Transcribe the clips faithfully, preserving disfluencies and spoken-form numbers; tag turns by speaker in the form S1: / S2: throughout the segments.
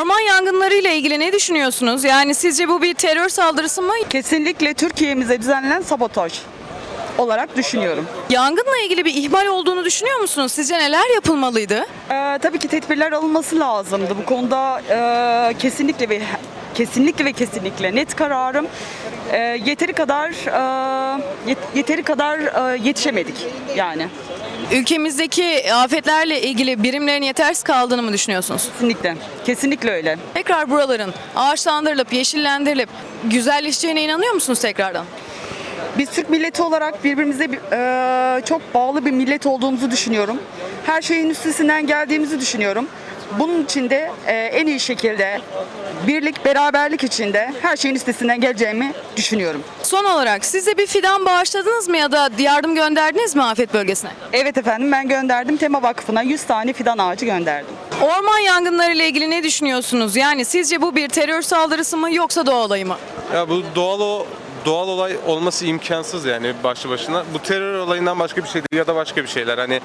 S1: Orman yangınları ile ilgili ne düşünüyorsunuz? Yani sizce bu bir terör saldırısı mı?
S2: Kesinlikle Türkiye'mize düzenlenen sabotaj olarak düşünüyorum.
S1: Yangınla ilgili bir ihmal olduğunu düşünüyor musunuz? Sizce neler yapılmalıydı?
S2: Ee, tabii ki tedbirler alınması lazımdı. Bu konuda e, kesinlikle ve kesinlikle ve kesinlikle net kararım. E, yeteri kadar e, yet- yeteri kadar e, yetişemedik yani.
S1: Ülkemizdeki afetlerle ilgili birimlerin yetersiz kaldığını mı düşünüyorsunuz?
S2: Kesinlikle. Kesinlikle öyle.
S1: Tekrar buraların ağaçlandırılıp, yeşillendirilip güzelleşeceğine inanıyor musunuz tekrardan?
S2: Biz Türk milleti olarak birbirimize e, çok bağlı bir millet olduğumuzu düşünüyorum. Her şeyin üstesinden geldiğimizi düşünüyorum. Bunun için de e, en iyi şekilde birlik, beraberlik içinde her şeyin üstesinden geleceğimi düşünüyorum.
S1: Son olarak siz de bir fidan bağışladınız mı ya da yardım gönderdiniz mi afet bölgesine?
S2: Evet efendim, ben gönderdim. Tema Vakfı'na yüz tane fidan ağacı gönderdim.
S1: Orman yangınları ile ilgili ne düşünüyorsunuz? Yani sizce bu bir terör saldırısı mı yoksa doğa olayı mı?
S3: Ya bu doğal o doğal olay olması imkansız yani başlı başına. Bu terör olayından başka bir şey değil ya da başka bir şeyler hani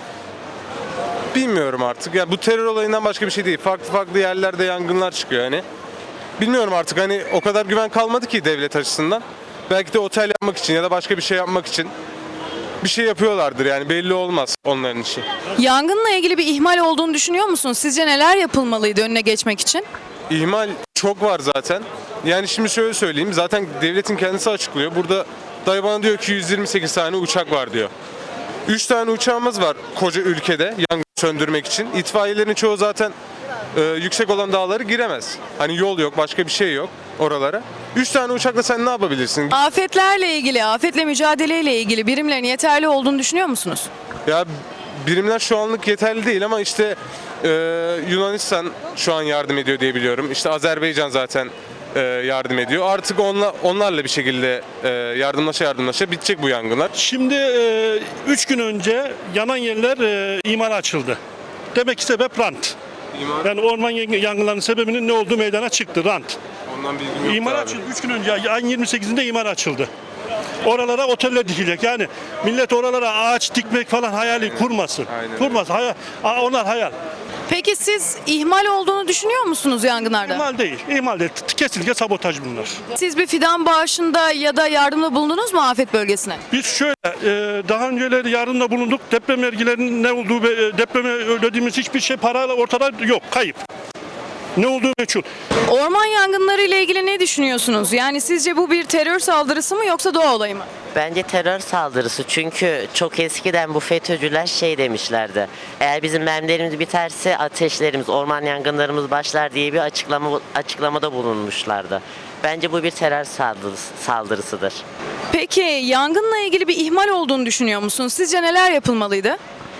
S3: bilmiyorum artık. Ya bu terör olayından başka bir şey değil. Farklı farklı yerlerde yangınlar çıkıyor hani. Bilmiyorum artık hani o kadar güven kalmadı ki devlet açısından. Belki de otel yapmak için ya da başka bir şey yapmak için bir şey yapıyorlardır yani belli olmaz onların işi.
S1: Yangınla ilgili bir ihmal olduğunu düşünüyor musunuz? Sizce neler yapılmalıydı önüne geçmek için?
S3: İhmal çok var zaten. Yani şimdi şöyle söyleyeyim. Zaten devletin kendisi açıklıyor. Burada dayı bana diyor ki yüz yirmi sekiz tane uçak var diyor. üç tane uçağımız var koca ülkede yangın söndürmek için. İtfaiyelerin çoğu zaten e, yüksek olan dağları giremez. Hani yol yok, başka bir şey yok oralara. üç tane uçakla sen ne yapabilirsin?
S1: Afetlerle ilgili, afetle mücadeleyle ilgili birimlerin yeterli olduğunu düşünüyor musunuz?
S3: Ya birimler şu anlık yeterli değil ama işte e, Yunanistan şu an yardım ediyor diye biliyorum. İşte Azerbaycan zaten e, yardım ediyor. Artık onla, onlarla bir şekilde e, yardımlaşa yardımlaşa bitecek bu yangınlar.
S4: Şimdi üç gün önce yanan yerler e, imara açıldı. Demek ki sebep rant.
S3: İmar,
S4: Yani orman yangınlarının sebebinin ne olduğu meydana çıktı, rant.
S3: ondan bilgim yok
S4: İmar
S3: abi.
S4: açıldı. üç gün önce ayın yirmi sekizinde imar açıldı. Oralara oteller dikilecek. Yani millet oralara ağaç dikmek falan hayali kurmasın.
S3: Aynen.
S4: Kurmasın. Hayal. Aa, onlar hayal.
S1: Peki siz ihmal olduğunu düşünüyor musunuz yangınlarda?
S4: İhmal değil. İhmal değil. Kesinlikle sabotaj bunlar.
S1: Siz bir fidan bağışında ya da yardımda bulundunuz mu afet bölgesine?
S4: Biz şöyle e, daha önceleri yardımda bulunduk. Deprem vergilerinin ne olduğu ve e, depreme ödediğimiz hiçbir şey parayla ortada yok. Kayıp. Ne olduğu meçhul.
S1: Orman yangınları ile ilgili ne düşünüyorsunuz? Yani sizce bu bir terör saldırısı mı yoksa doğa olayı mı?
S5: Bence terör saldırısı, çünkü çok eskiden bu FETÖ'cüler şey demişlerdi. Eğer bizim mermilerimiz biterse ateşlerimiz, orman yangınlarımız başlar diye bir açıklama açıklamada bulunmuşlardı. Bence bu bir terör saldırısı, saldırısıdır.
S1: Peki yangınla ilgili bir ihmal olduğunu düşünüyor musunuz? Sizce neler yapılmalıydı?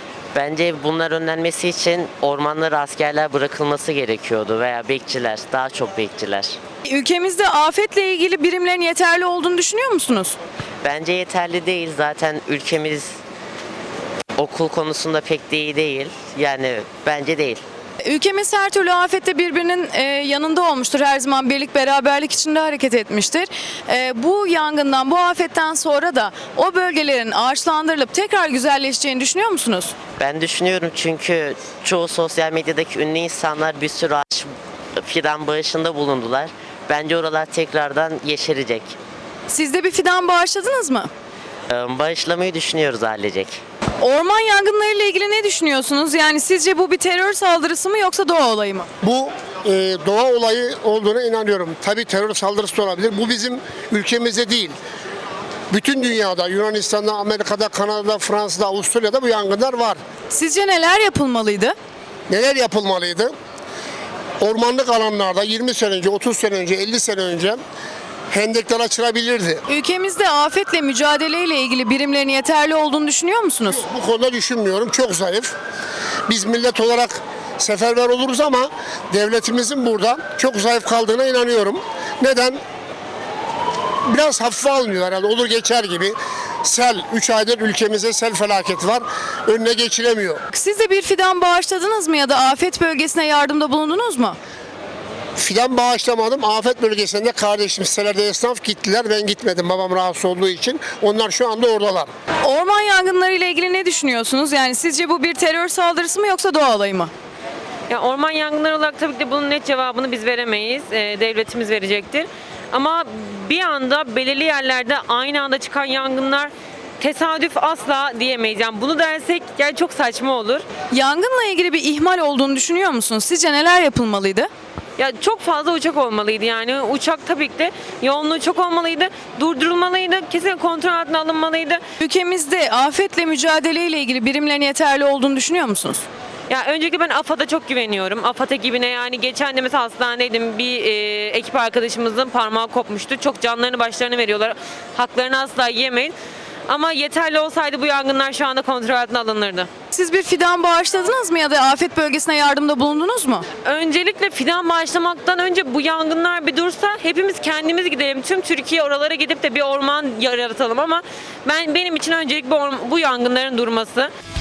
S5: Bence bunlar önlenmesi için ormanlara askerler bırakılması gerekiyordu veya bekçiler, daha çok bekçiler.
S1: Ülkemizde afetle ilgili birimlerin yeterli olduğunu düşünüyor musunuz?
S5: Bence yeterli değil. Zaten ülkemiz okul konusunda pek de iyi değil. Yani bence değil.
S1: Ülkemiz her türlü afette birbirinin e, yanında olmuştur. Her zaman birlik beraberlik içinde hareket etmiştir. E, bu yangından, bu afetten sonra da o bölgelerin ağaçlandırılıp tekrar güzelleşeceğini düşünüyor musunuz?
S5: Ben düşünüyorum, çünkü çoğu sosyal medyadaki ünlü insanlar bir sürü ağaç fidan bağışında bulundular. Bence oralar tekrardan yeşerecek.
S1: Siz de bir fidan bağışladınız mı?
S5: Ee, Bağışlamayı düşünüyoruz ailecek.
S1: Orman yangınları ile ilgili ne düşünüyorsunuz? Yani sizce bu bir terör saldırısı mı yoksa doğa olayı mı?
S6: Bu e, doğa olayı olduğuna inanıyorum. Tabii terör saldırısı da olabilir. Bu bizim ülkemizde değil. Bütün dünyada, Yunanistan'da, Amerika'da, Kanada'da, Fransa'da, Avustralya'da bu yangınlar var.
S1: Sizce neler yapılmalıydı?
S6: Neler yapılmalıydı? Ormanlık alanlarda yirmi sene önce, otuz sene önce, elli sene önce hendekler açılabilirdi.
S1: Ülkemizde afetle mücadeleyle ilgili birimlerin yeterli olduğunu düşünüyor musunuz?
S6: Bu konuda düşünmüyorum. Çok zayıf. Biz millet olarak seferber oluruz ama devletimizin burada çok zayıf kaldığına inanıyorum. Neden? Biraz hafife alınıyor herhalde. Olur geçer gibi. Sel, üç aydır ülkemizde sel felaketi var. Önüne geçilemiyor.
S1: Siz de bir fidan bağışladınız mı ya da afet bölgesine yardımda bulundunuz mu?
S6: Fidan bağışlamadım. Afet bölgesinde kardeşim sitelerde esnaf gittiler. Ben gitmedim babam rahatsız olduğu için. Onlar şu anda oradalar.
S1: Orman yangınları ile ilgili ne düşünüyorsunuz? Yani sizce bu bir terör saldırısı mı yoksa doğa olayı mı?
S7: Ya orman yangınları olarak tabii ki de bunun net cevabını biz veremeyiz. Ee, devletimiz verecektir. Ama bir anda belirli yerlerde aynı anda çıkan yangınlar tesadüf asla diyemeyiz. Yani bunu dersek yani çok saçma olur.
S1: Yangınla ilgili bir ihmal olduğunu düşünüyor musunuz? Sizce neler yapılmalıydı?
S7: Ya çok fazla uçak olmalıydı yani. Uçak tabii ki de yoğunluğu çok olmalıydı. Durdurulmalıydı. Kesin kontrol altına alınmalıydı.
S1: Ülkemizde afetle mücadele ile ilgili birimlerin yeterli olduğunu düşünüyor musunuz?
S7: Ya öncelikle ben AFAD'a çok güveniyorum. AFAD ekibine yani geçen de mesela hastanedeydim. Bir e, ekip arkadaşımızın parmağı kopmuştu. Çok canlarını başlarını veriyorlar. Haklarını asla yemeyin. Ama yeterli olsaydı bu yangınlar şu anda kontrol altına alınırdı.
S1: Siz bir fidan bağışladınız mı ya da afet bölgesine yardımda bulundunuz mu?
S7: Öncelikle fidan bağışlamaktan önce bu yangınlar bir dursa hepimiz kendimiz gidelim. Tüm Türkiye oralara gidip de bir orman yaratalım ama ben benim için öncelik bu, orm- bu yangınların durması.